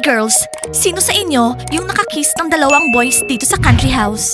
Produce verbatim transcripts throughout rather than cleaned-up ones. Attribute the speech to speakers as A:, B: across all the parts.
A: girls, sino sa inyo yung nakakiss ng dalawang boys dito sa country house?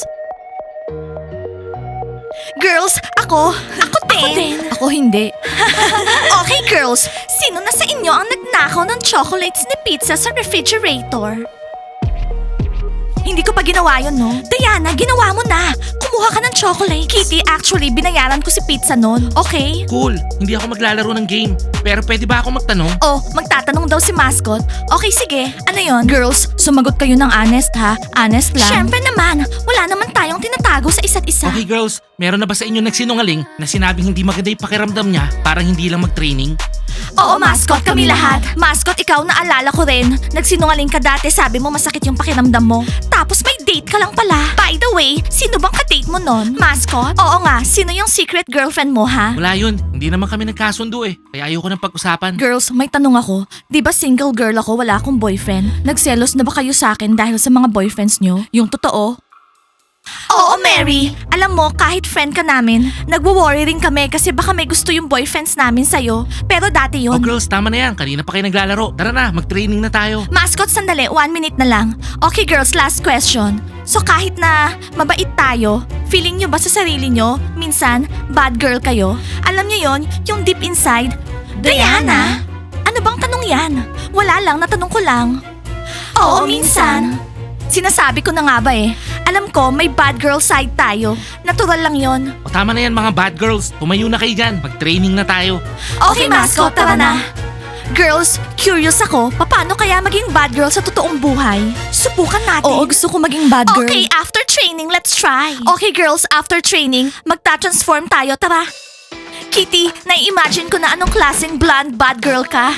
A: Girls, ako. Ako din. Ako din. Ako hindi. Okay, girls. Sino na sa inyo ang nagnakaw ng chocolates ni Pizza sa refrigerator? Hindi ko pa ginawa yun, no? Diana, ginawa mo na. Kumuha ka ng chocolate. Kitty, actually, binayaran ko si Pizza nun. Okay?
B: Cool, hindi ako maglalaro ng game. Pero pwede ba ako magtanong?
A: Oh, magtatanong daw si mascot. Okay, sige. Ano yon? Girls, sumagot kayo ng honest, ha? Honest lang. Siyempre naman. Wala naman tayong tinatago sa isa't isa.
B: Okay girls, meron na ba sa inyo nagsinungaling na sinabing hindi maganda yung pakiramdam niya parang hindi lang mag-training?
A: Oo, mascot, kami lahat. Mascot, ikaw naalala ko rin. Nagsinungaling ka dati, sabi mo masakit yung pakiramdam mo. Tapos may date ka lang pala. By the way, sino bang ka-date mo nun? Mascot? Oo nga, sino yung secret girlfriend mo, ha?
B: Wala yun, hindi naman kami nagkasundo eh. Kaya ayoko nang pag-usapan.
A: Girls, may tanong ako. Di ba single girl ako, wala akong boyfriend? Nagselos na ba kayo sa akin dahil sa mga boyfriends nyo? Yung totoo? Oo, Mary. Alam mo, kahit friend ka namin, nagwo-worry rin kami kasi baka may gusto yung boyfriends namin sa'yo. Pero dati
B: Oh
A: yun.
B: girls, tama na yan. Kanina pa kayo naglalaro. Tara na, mag-training na tayo.
A: Mascot, sandali. One minute na lang. Okay, girls, last question. So kahit na mabait tayo, feeling nyo ba sa sarili nyo, minsan, bad girl kayo? Alam nyo yon, yung deep inside, Diana? Ano bang tanong yan? Wala lang, natanong ko lang. Oo, minsan. Sinasabi ko na nga ba eh. Alam ko, may bad girl side tayo. Natural lang yon.
B: O tama na yan mga bad girls. Tumayo na kayo dyan. Mag-training na tayo.
A: Okay, mascot, tara na. Girls, curious ako, paano kaya maging bad girl sa totoong buhay? Subukan natin. Oo, gusto ko maging bad girl. Okay, after training, let's try. Okay, girls, after training, magta-transform tayo, tara. Kitty, nai-imagine ko na anong klaseng blonde bad girl ka.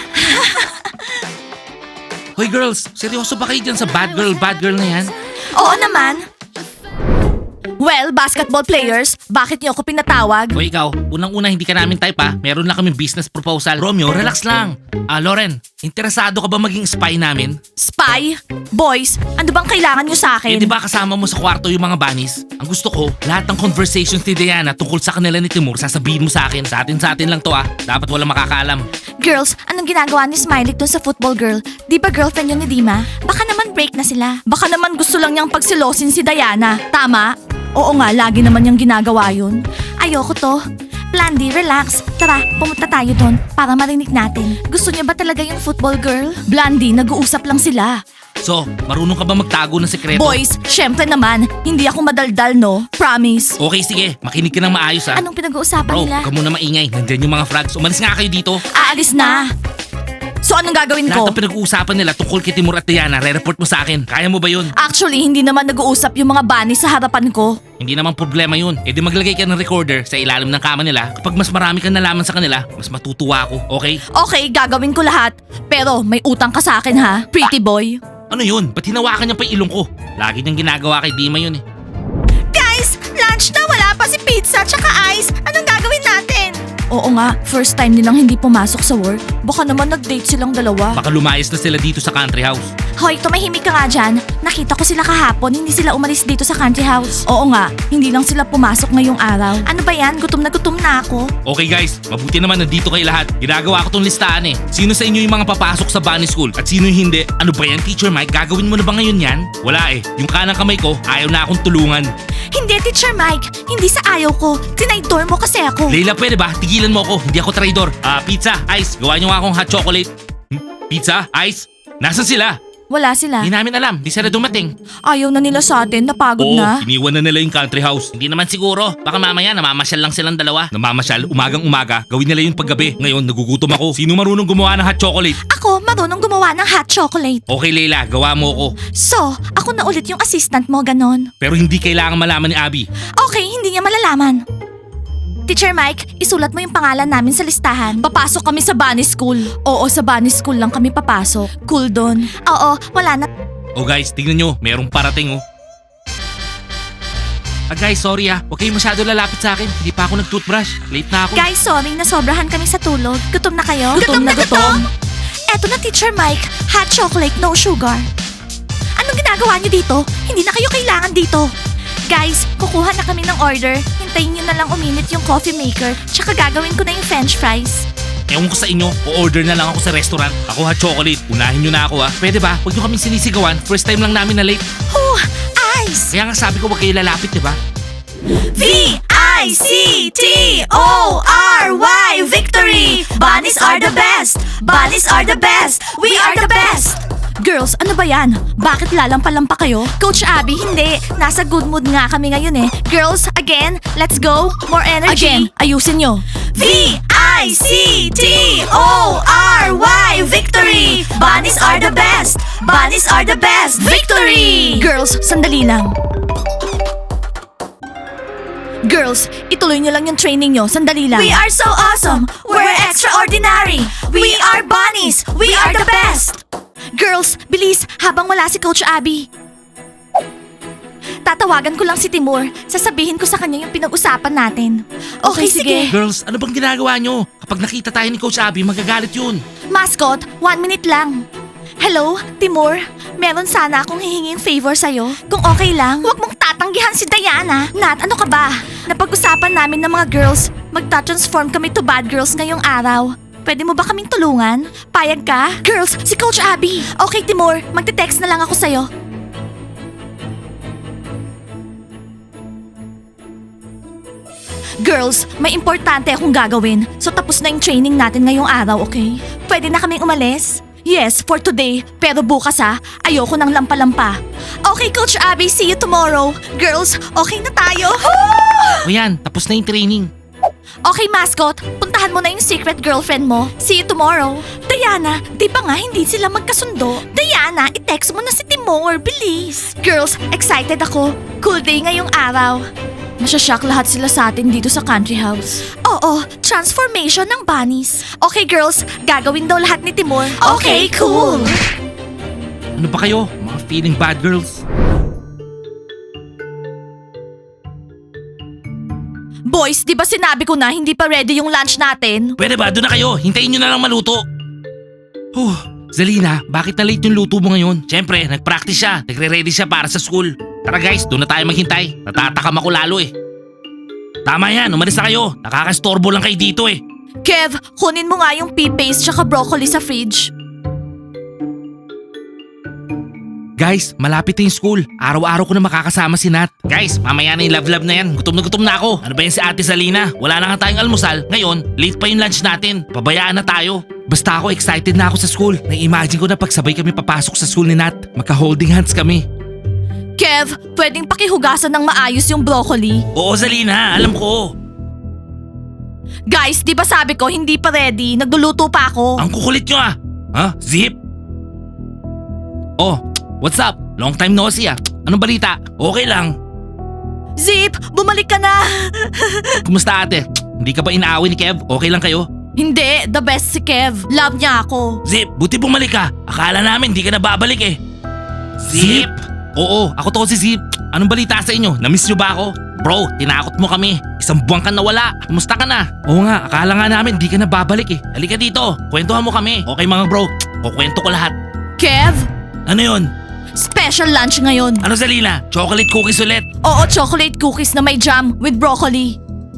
B: Hoy girls, seryoso ba kayo dyan sa bad girl, bad girl na yan?
A: Oo naman. Well, basketball players, bakit niyo ako pinatawag?
B: O ikaw, unang-una hindi ka namin type ha. Meron lang kaming business proposal. Romeo, relax lang. Ah, Lauren, interesado ka ba maging spy namin?
A: Spy? Boys, ano bang kailangan niyo sa
B: Eh
A: akin?
B: di ba kasama mo sa kwarto yung mga bunnies? Ang gusto ko, lahat ng conversations ni Diana tungkol sa kanila ni Timur, sasabihin mo sa akin. Sa atin sa atin lang to ah. Dapat walang makakaalam.
A: Girls, anong ginagawa ni Smiley dun sa football girl? Di ba girlfriend yun ni Dima? Baka naman break na sila. Baka naman gusto lang niyang pagsilosin si Diana. Tama? Oo nga, lagi naman niyang ginagawa yun. Ayoko to. Blandy, relax. Tara, pumunta tayo doon para marinig natin. Gusto niya ba talaga yung football girl? Blandy, nag-uusap lang sila.
B: So, marunong ka ba magtago ng sekreto?
A: Boys, syempre naman, hindi ako madaldal, no? Promise.
B: Okay, sige. Makinig ka ng maayos ha.
A: Anong pinag-uusapan
B: Bro,
A: nila?
B: huwag ka muna maingay. Nandyan yung mga frogs. Umalis nga kayo dito.
A: Aalis na. So anong gagawin
B: Lahat
A: ko?
B: ng pinag-uusapan nila tungkol kay Timur at Diana, re-report mo sa akin. Kaya mo ba yun?
A: Actually, hindi naman nag-uusap yung mga bunny sa harapan ko.
B: Hindi naman problema yun. E di maglagay ka ng recorder sa ilalim ng kama nila. Kapag mas marami kang nalaman sa kanila, mas matutuwa ako. Okay?
A: Okay, gagawin ko lahat. Pero may utang ka sa akin ha, pretty boy.
B: Ano yun? Ba't hinawakan niya pa yung ilong ko? Lagi niyang ginagawa kay Dima yun eh.
A: Guys, lunch na, wala pa si pizza tsaka ice. Anong gagawin natin? Oo nga, first time nilang hindi pumasok sa work. Baka naman nag-date silang dalawa.
B: Baka lumayas na sila dito sa country house.
A: Hoy, tumahimik ka nga dyan. Nakita ko sila kahapon, hindi sila umalis dito sa country house. Oo nga, hindi lang sila pumasok ngayong araw. Ano ba yan? Gutom na gutom na ako.
B: Okay guys, mabuti naman nandito kayo lahat. Ginagawa ko tong listahan eh. Sino sa inyo yung mga papasok sa bunny school at sino yung hindi? Ano ba yan, Teacher Mike? Gagawin mo na ba ngayon yan? Wala eh. Yung kanang kamay ko, ayaw na akong tulungan.
A: Hindi, Teacher Mike. Hindi sa ayaw ko. Tinaydor mo kasi ako.
B: Leila, pwede ba? Tigilan mo ako. Hindi ako traidor. Ah, pizza, ice. Gawa niyo nga akong hot chocolate. Hmm? Pizza, ice. Nasaan sila?
A: Wala sila.
B: Hindi namin alam. Di sila dumating.
A: Ayaw na nila sa atin. Napagod
B: Oo,
A: na.
B: iniwan na nila yung country house. Hindi naman siguro. Baka mamaya namamasyal lang silang dalawa. Namamasyal, umagang umaga. Gawin nila yung paggabi. Ngayon, nagugutom ako. Sino marunong gumawa ng hot chocolate?
A: Ako, marunong gumawa ng hot chocolate.
B: Okay, Leila. Gawa mo ako.
A: So, ako na ulit yung assistant mo, ganon.
B: Pero hindi kailangan malaman ni Abby.
A: Okay, hindi niya malalaman. Teacher Mike, isulat mo yung pangalan namin sa listahan. Papasok kami sa bunny school. Oo, sa bunny school lang kami papasok. Cool doon. Oo, wala na.
B: Oh guys, tingnan nyo. Merong parating oh. Ah guys, sorry ah. Huwag kayo masyado lalapit sa akin. Hindi pa ako nag-toothbrush. Late na ako.
A: Guys, sorry, nasobrahan kami sa tulog. Gutom na kayo? Gutom, na gutom. Eto na, Teacher Mike. Hot chocolate, no sugar. Anong ginagawa niyo dito? Hindi na kayo kailangan dito. Guys, kukuha na kami ng order. Hintayin niyo na lang uminit yung coffee maker. Tsaka gagawin ko na yung french fries.
B: Ewan ko sa inyo, o-order na lang ako sa restaurant. Ako ha, chocolate. Unahin nyo na ako ha. Pwede ba? Huwag nyo kaming sinisigawan. First time lang namin na late.
A: Oh, ice!
B: Kaya nga sabi ko huwag kayo lalapit, di ba?
A: V I C T O R Y Victory! Bunnies are the best! Bunnies are the best! We are the best! Girls, ano ba yan? Bakit lalampa-lampa kayo? Coach Abby, hindi. Nasa good mood nga kami ngayon eh. Girls, again, let's go. More energy. Again, ayusin nyo. V I C T O R Y Victory! Bunnies are the best! Bunnies are the best! Victory! Girls, sandali lang. Girls, ituloy nyo lang yung training nyo. Sandali lang. We are so awesome! We're extraordinary! We are bunnies! We are the best! Girls, bilis! Habang wala si Coach Abby. Tatawagan ko lang si Timur. Sasabihin ko sa kanya yung pinag-usapan natin. Okay, sige.
B: Girls, ano bang ginagawa nyo? Kapag nakita tayo ni Coach Abby, magagalit yun.
A: Mascot, one minute lang. Hello, Timur? Meron sana akong hihinging favor sa'yo. Kung okay lang, huwag mong tatanggihan si Diana. Nat, ano ka ba? Napag-usapan namin ng mga girls, magta-transform kami to bad girls ngayong araw. Pwede mo ba kaming tulungan? Payag ka? Girls, si Coach Abby. Okay, Timur, magte-text na lang ako sa'yo. Girls, may importante akong gagawin. So tapos na yung training natin ngayong araw, okay? Pwede na kaming umalis? Yes, for today. Pero bukas ha, ayoko ng lampa-lampa. Okay, Coach Abby, see you tomorrow. Girls, okay na tayo.
B: O yan, tapos na yung training.
A: Okay, mascot. Puntahan mo na yung secret girlfriend mo. See you tomorrow. Diana, di ba nga hindi sila magkasundo? Diana, i-text mo na si Timur. Bilis. Girls, excited ako. Cool day ngayong araw. Masyashock lahat sila sa atin dito sa country house. Oo, transformation ng bunnies. Okay, girls, gagawin daw lahat ni Timur. Okay, cool.
B: Ano ba kayo? Mga feeling bad girls?
A: Boys, di ba sinabi ko na hindi pa ready yung lunch natin?
B: Pwede ba? Doon na kayo. Hintayin nyo na lang maluto. Huh, Zalina, bakit na late yung luto mo ngayon? Siyempre, nag-practice siya. Nagre-ready siya para sa school. Tara guys, doon na tayo maghintay. Natatakam ako lalo eh. Tama yan, umalis na kayo. Nakakastorbo lang kayo dito eh.
A: Kev, kunin mo nga yung pea paste tsaka broccoli sa fridge.
B: Guys, malapit na yung school. Araw-araw ko na makakasama si Nat. Guys, mamaya na yung love-love na yan. Gutom na gutom na ako. Ano ba yan si Ate Salina? Wala na nga tayong almusal. Ngayon, late pa yung lunch natin. Pabayaan na tayo. Basta ako, excited na ako sa school. Na-imagine ko na pagsabay kami papasok sa school ni Nat. Magka-holding hands kami.
A: Kev, pwedeng pakihugasan ng maayos yung broccoli?
B: Oo, Zalina. Alam ko.
A: Guys, di ba sabi ko hindi pa ready? Nagluluto pa ako.
B: Ang kukulit nyo ah. Ha? Zip? Oh, what's up? Long time no see ah. Anong balita? Okay lang.
A: Zip, bumalik ka na.
B: Kumusta ate? Hindi ka ba inaaway ni Kev? Okay lang kayo?
A: Hindi, the best si Kev. Love niya ako.
B: Zip, buti bumalik ka. Akala namin di ka na babalik eh. Zip? Oo, ako to si Zip. Anong balita sa inyo? Namiss nyo ba ako? Bro, tinakot mo kami. Isang buwan ka nawala. Kumusta ka na? Oo nga, akala nga namin di ka na babalik eh. Halika dito, kwentuhan mo kami. Okay mga bro, kukwento ko lahat.
A: Kev,
B: Ano yun?
A: special lunch ngayon.
B: Ano Zalina? Chocolate cookies ulit?
A: Oo, chocolate cookies na may jam with broccoli.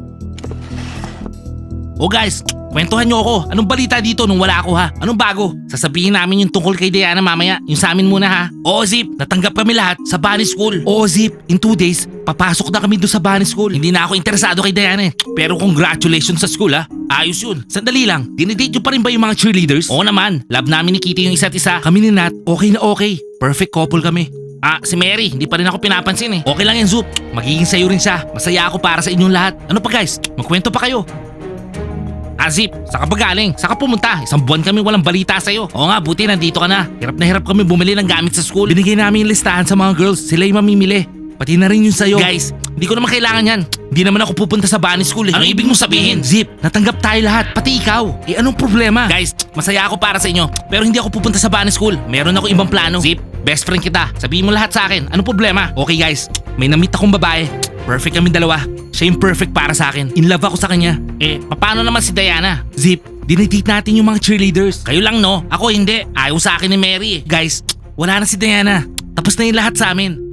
B: Oh guys, kwentuhan nyo ako. Anong balita dito nung wala ako ha? Anong bago? Sasabihin namin yung tungkol kay Diana mamaya. Yung sa amin muna ha. Oo Zip, natanggap kami lahat sa Bunny School. Oo Zip, in two days, papasok na kami doon sa Bunny School. Hindi na ako interesado kay Diana eh. Pero congratulations sa school ha. Ayos yun. Sandali lang, dinidate nyo pa rin ba yung mga cheerleaders? Oo naman, love namin ni Kitty yung isa't isa. Kami ni Nat, okay na okay. Perfect couple kami. Ah, si Mary, hindi pa rin ako pinapansin eh. Okay lang yan Zoop, magiging sayo rin siya. Masaya ako para sa inyong lahat. Ano pa guys, magkwento pa kayo. Azip, saka ba galing? Saka pumunta? Isang buwan kami walang balita sa'yo. Oo nga, buti nandito ka na. Hirap na hirap kami bumili ng gamit sa school. Binigay namin yung listahan sa mga girls. Sila yung mamimili. Pati na rin yung sa'yo. Guys, hindi ko naman kailangan yan. Hindi naman ako pupunta sa Bunny School eh. Ano ibig mong sabihin? Zip, natanggap tayo lahat. Pati ikaw. Eh anong problema? Guys, masaya ako para sa inyo. Pero hindi ako pupunta sa Bunny School. Meron ako ibang plano. Zip, best friend kita. Sabihin mo lahat sa akin. Anong problema? Okay guys, may namit akong babae. Perfect kami dalawa. Siya yung perfect para sa akin. In love ako sa kanya. Eh, paano naman si Diana? Zip, dinedate natin yung mga cheerleaders. Kayo lang no? Ako hindi. Ayaw sa akin ni Mary eh. Guys, wala na si Diana. Tapos na yung lahat sa amin.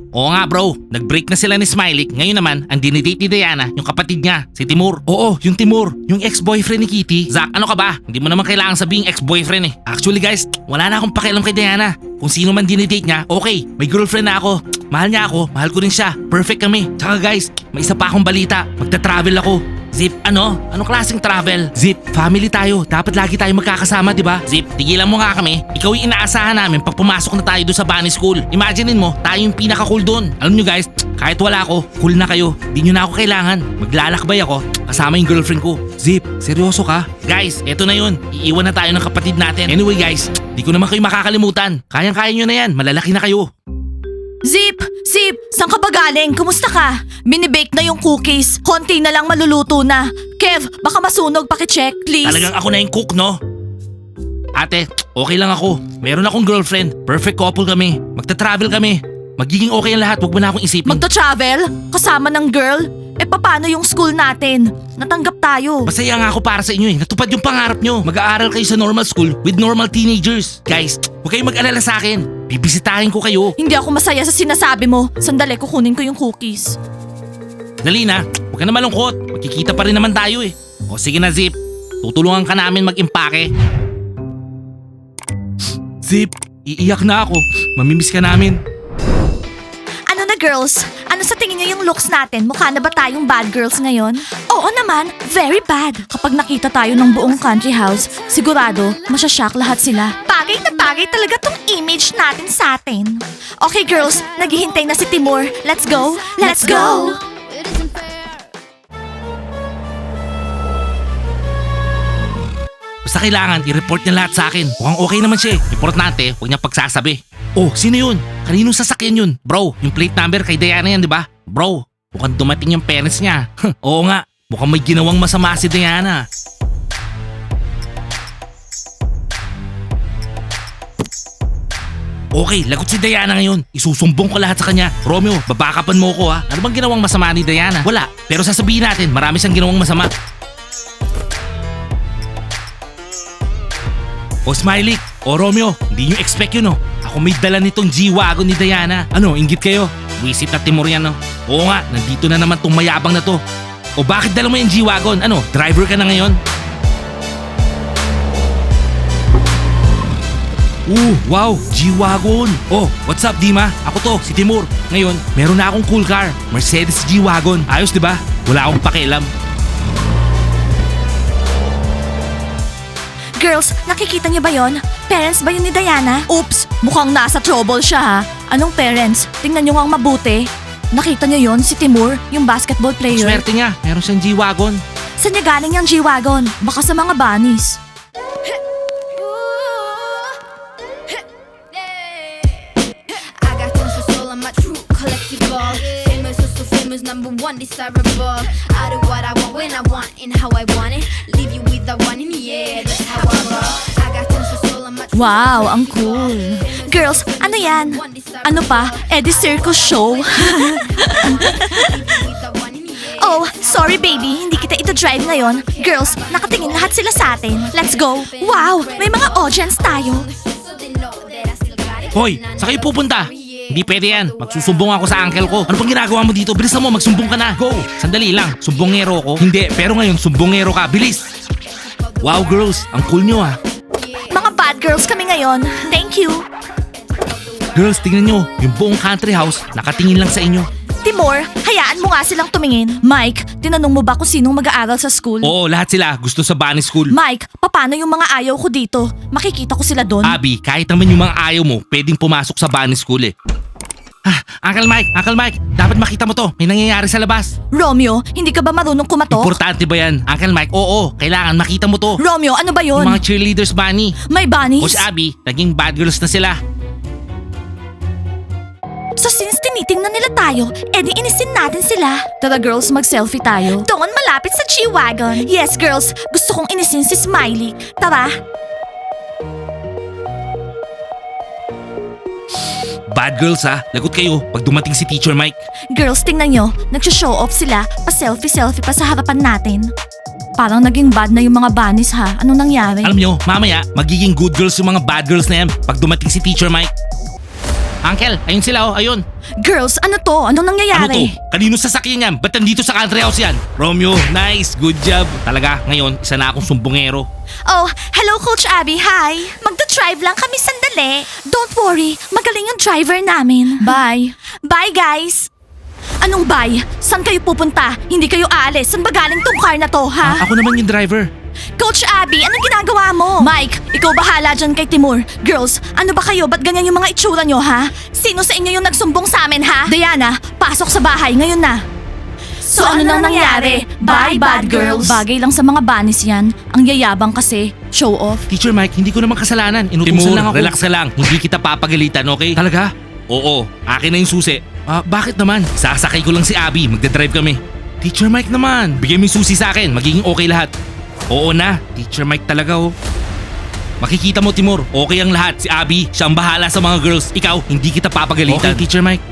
B: Oo nga bro, nag-break na sila ni Smiley. Ngayon naman, ang dinidate ni Diana, yung kapatid niya, si Timur. Oo, yung Timur, yung ex-boyfriend ni Kitty. Zach, ano ka ba? Hindi mo naman kailangan sabihing ex-boyfriend eh. Actually guys, wala na akong pakialam kay Diana. Kung sino man dinidate niya, okay, may girlfriend na ako. Mahal niya ako, mahal ko rin siya. Perfect kami. Tsaka guys, may isa pa akong balita. Magta-travel ako. Zip, ano? Anong klaseng travel? Zip, family tayo. Dapat lagi tayo magkakasama, di ba? Zip, tigilan mo nga kami. Ikaw yung inaasahan namin pag pumasok na tayo doon sa bunny school. Imaginein mo, tayo yung pinaka-cool doon. Alam nyo guys, kahit wala ako, cool na kayo. Di nyo na ako kailangan. Maglalakbay ako, kasama yung girlfriend ko. Zip, seryoso ka? Guys, eto na yun. Iiwan na tayo ng kapatid natin. Anyway guys, di ko naman kayo makakalimutan. Kayang-kaya nyo na yan, malalaki na kayo.
A: Zip! Zip! Saan ka ba galing? Kumusta ka? Minibake na yung cookies. Konti na lang maluluto na. Kev, baka masunog, pakicheck, please.
B: Talagang ako na yung cook, no? Ate, okay lang ako. Meron akong girlfriend. Perfect couple kami. Magta-travel kami. Magiging okay ang lahat. Huwag mo na akong isipin.
A: Magta-travel? Kasama ng girl? Eh paano yung school natin? Natanggap tayo.
B: Masaya nga ako para sa inyo eh. Natupad yung pangarap nyo. Mag-aaral kayo sa normal school with normal teenagers. Guys, huwag kayong mag-alala sa akin. Bibisitahin ko kayo.
A: Hindi ako masaya sa sinasabi mo. Sandali, kukunin ko yung cookies.
B: Dali na. Huwag ka na malungkot. Magkikita pa rin naman tayo eh. O sige na Zip. Tutulungan ka namin mag-impake. Zip, iiyak na ako. Mamimiss ka namin.
A: Ano na girls? Ano sa tingin niyo yung looks natin? Mukha na ba tayong bad girls ngayon? Oo naman, very bad. Kapag nakita tayo ng buong country house, sigurado, masyashock lahat sila. Bagay na bagay talaga tong image natin sa atin. Okay girls, naghihintay na si Timur. Let's go! Let's go!
B: Basta kailangan i-report niya lahat sa akin. Mukhang okay naman siya eh. Importante, huwag niya pagsasabi. Oh, sino yun? Kaninong sasakyan yun? Bro, yung plate number kay Diana yan, di ba? Bro, mukhang dumating yung parents niya. Oo nga, mukhang may ginawang masama si Diana. Okay, lagot si Diana ngayon. Isusumbong ko lahat sa kanya. Romeo, babakapan mo ko ha. Ano bang ginawang masama ni Diana? Wala, pero sasabihin natin, marami siyang ginawang masama. O Smiley, o Romeo, hindi nyo expect yun no. Ako may dala nitong G-Wagon ni Diana. Ano, inggit kayo? Wisit na Timur yan no. Oo nga, nandito na naman tong mayabang na to. O bakit dala mo yung G-Wagon? Ano, driver ka na ngayon? Ooh, wow, G-Wagon. Oh, what's up Dima? Ako to, si Timur. Ngayon, meron na akong cool car. Mercedes G-Wagon. Ayos diba? Wala akong pakialam.
A: Girls, nakikita niyo ba yon? Parents ba yun ni Diana? Oops, mukhang nasa trouble siya ha. Anong parents? Tingnan niyo nga ang mabuti. Nakita niyo yon, si Timur, yung basketball player.
B: Swerte niya, meron siyang G-Wagon.
A: Saan niya galing yung G-Wagon? Baka sa mga bunnies.
C: I got tons of soul on my true collectible. Famous, so so famous, number one desirable. I do what I want when I want and how I want it. Leave you with the one in the air. That's how I roll. I got tons of soul on my true
A: Wow, ang cool. Girls, ano yan? Ano pa? Eddie Circus Show? Oh, sorry baby, hindi kita ito drive ngayon. Girls, nakatingin lahat sila sa atin. Let's go. Wow, may mga audience tayo.
B: Hoy, saan kayo pupunta? Hindi pwede yan. Magsusumbong ako sa uncle ko. Ano pang ginagawa mo dito? Bilisan mo, magsumbong ka na. Go! Sandali lang. Sumbongero ko? Hindi, pero ngayon sumbongero ka. Bilis! Wow girls, ang cool nyo ah.
A: Mga bad girls kami ngayon. Thank you.
B: Girls, tingnan nyo. Yung buong country house, nakatingin lang sa inyo.
A: Timur, hayaan mo nga silang tumingin. Mike, tinanong mo ba kung sinong mag-aaral sa school?
B: Oo, lahat sila. Gusto sa bunny school.
A: Mike, paano yung mga ayaw ko dito? Makikita ko sila doon?
B: Abby, kahit naman yung mga ayaw mo, pwedeng pumasok sa bunny school eh. Ah, Uncle Mike, Uncle Mike, dapat makita mo to. May nangyayari sa labas.
A: Romeo, hindi ka ba marunong kumatok?
B: Importante ba yan? Uncle Mike, oo, kailangan makita mo to.
A: Romeo, ano ba yun?
B: Yung mga cheerleaders bunny.
A: May bunnies?
B: O si Abby, naging bad girls na sila.
A: So since tinitingnan nila tayo, edi inisin natin sila. Tara girls, mag-selfie tayo. Doon malapit sa G-Wagon. Yes girls, gusto kong inisin si Smiley. Tara.
B: Bad girls ha, lagot kayo pag dumating si Teacher Mike.
A: Girls, tingnan nyo, nagsho-show off sila, pa-selfie-selfie pa sa harapan natin. Parang naging bad na yung mga bunnies ha. Anong nangyari?
B: Alam nyo, mamaya, magiging good girls yung mga bad girls na yan pag dumating si Teacher Mike. Uncle, ayun sila oh, ayun.
A: Girls, ano to? Anong
B: Ano to?
A: nangyayari?
B: Kanino sasakyan yan? Ba't nandito sa country house yan? Romeo, nice, good job. Talaga, ngayon, isa na akong sumbongero.
A: Oh, hello Coach Abby, hi. Magda-drive lang kami sandali. Don't worry, magaling yung driver namin. Bye. Bye guys. Anong bye? Saan kayo pupunta? Hindi kayo aalis. Saan ba galing tong car na to, ha?
B: Ah, ako naman yung driver.
A: Coach Abby, anong ginagawa mo? Mike, ikaw bahala dyan kay Timur. Girls, ano ba kayo? Ba't ganyan yung mga itsura nyo, ha? Sino sa inyo yung nagsumbong sa amin, ha? Diana, pasok sa bahay ngayon na. So, ano nang nangyari? Bye, bad girls. Bagay lang sa mga banis yan. Ang yayabang kasi. Show off.
B: Teacher Mike, hindi ko naman kasalanan. Inutusan lang ako. Relax ka lang. Hindi kita papagalitan, okay? Talaga? Oo, akin na yung susi. Ah, bakit naman? Sasakay ko lang si Abby. Magdadrive kami. Teacher Mike naman. Bigay mo yung susi sa akin. Magiging okay lahat. Oo na. Teacher Mike talaga oh. Makikita mo Timur, okay ang lahat. Si Abby, siya ang bahala sa mga girls. Ikaw, hindi kita papagalitan. Okay, Teacher Mike.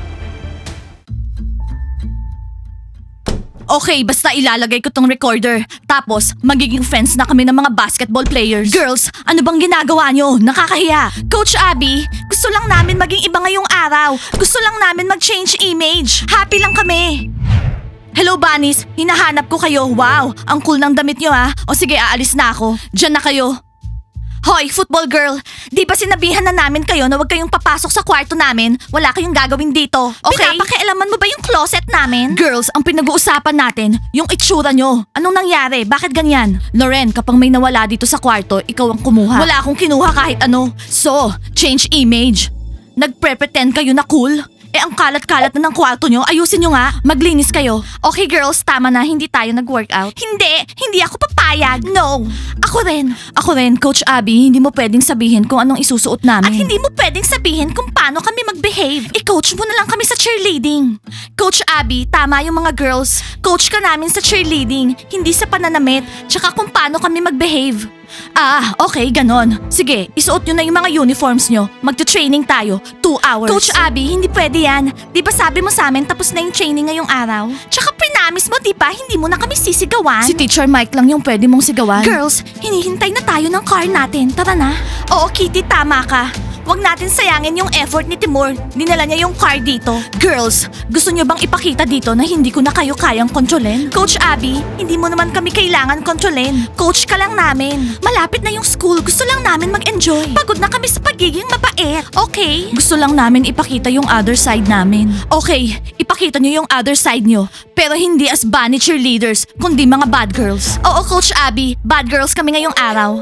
A: Okay, basta ilalagay ko tong recorder. Tapos, magiging friends na kami ng mga basketball players. Girls, ano bang ginagawa nyo? Nakakahiya. Coach Abby, gusto lang namin maging iba ngayong araw. Gusto lang namin mag-change image. Happy lang kami. Hello, Bunnies. Hinahanap ko kayo. Wow, ang cool ng damit nyo ha. O sige, aalis na ako. Diyan na kayo. Hoy, football girl! Di ba sinabihan na namin kayo na huwag kayong papasok sa kwarto namin? Wala kayong gagawin dito, okay? Pinapakialaman mo ba yung closet namin? Girls, ang pinag-uusapan natin, yung itsura nyo. Anong nangyari? Bakit ganyan? Loren, kapag may nawala dito sa kwarto, ikaw ang kumuha. Wala akong kinuha kahit ano. So, change image. Nagpre-pretend kayo na cool? Eh ang kalat-kalat na ng kwarto nyo, ayusin nyo nga. Maglinis kayo. Okay girls, tama na, hindi tayo nag-workout. Hindi, hindi ako papayag. No. Ako rin. Ako rin, Coach Abby, hindi mo pwedeng sabihin kung anong isusuot namin. At hindi mo pwedeng sabihin kung paano kami mag-behave. I-coach mo na lang kami sa cheerleading. Coach Abby, tama yung mga girls. Coach ka namin sa cheerleading, hindi sa pananamit, tsaka kung paano kami mag-behave. Ah, okay, ganon. Sige, isuot nyo na yung mga uniforms nyo. Magta-training tayo. Two hours. Coach Abby, hindi pwede yan. Di ba sabi mo sa amin tapos na yung training ngayong araw? Tsaka prinamis mo, di ba, hindi mo na kami sisigawan? Si Teacher Mike lang yung pwede mong sigawan. Girls, hinihintay na tayo ng car natin. Tara na. Oo, Kitty, tama ka. Huwag natin sayangin yung effort ni Timur. Dinala niya yung car dito. Girls, gusto niyo bang ipakita dito na hindi ko na kayo kayang kontrolin? Coach Abby, hindi mo naman kami kailangan kontrolin. Coach ka lang namin. Malapit na yung school. Gusto lang namin mag-enjoy. Pagod na kami sa pagiging mabait. Okay? Gusto lang namin ipakita yung other side namin. Okay, ipakita niyo yung other side niyo. Pero hindi as bunny cheerleaders, kundi mga bad girls. Oo, Coach Abby, bad girls kami ngayong araw.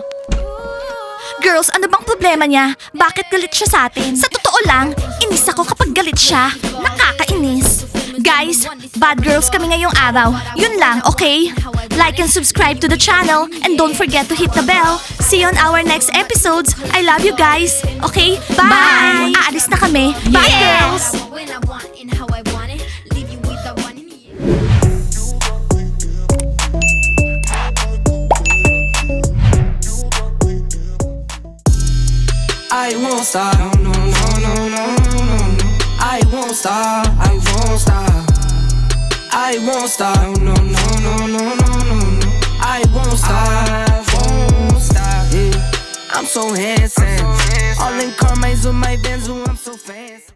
A: Girls, ano bang problema niya? Bakit galit siya sa atin? Sa totoo lang, inis ako kapag galit siya. Nakakainis. Guys, bad girls kami ngayong araw. Yun lang, okay? Like and subscribe to the channel and don't forget to hit the bell. See you on our next episodes. I love you guys. Okay? Bye! Aalis na kami. Bye, girls!
C: When I want and how I want it. Leave you with the one in the air.
D: I won't stop, no, no, no, no, no, no, no. I won't stop, I won't stop. I won't stop, no, no, no, no, no, no, no. I won't stop, I won't stop. Yeah. I'm so handsome, all in car, with my Benz, I'm so fancy.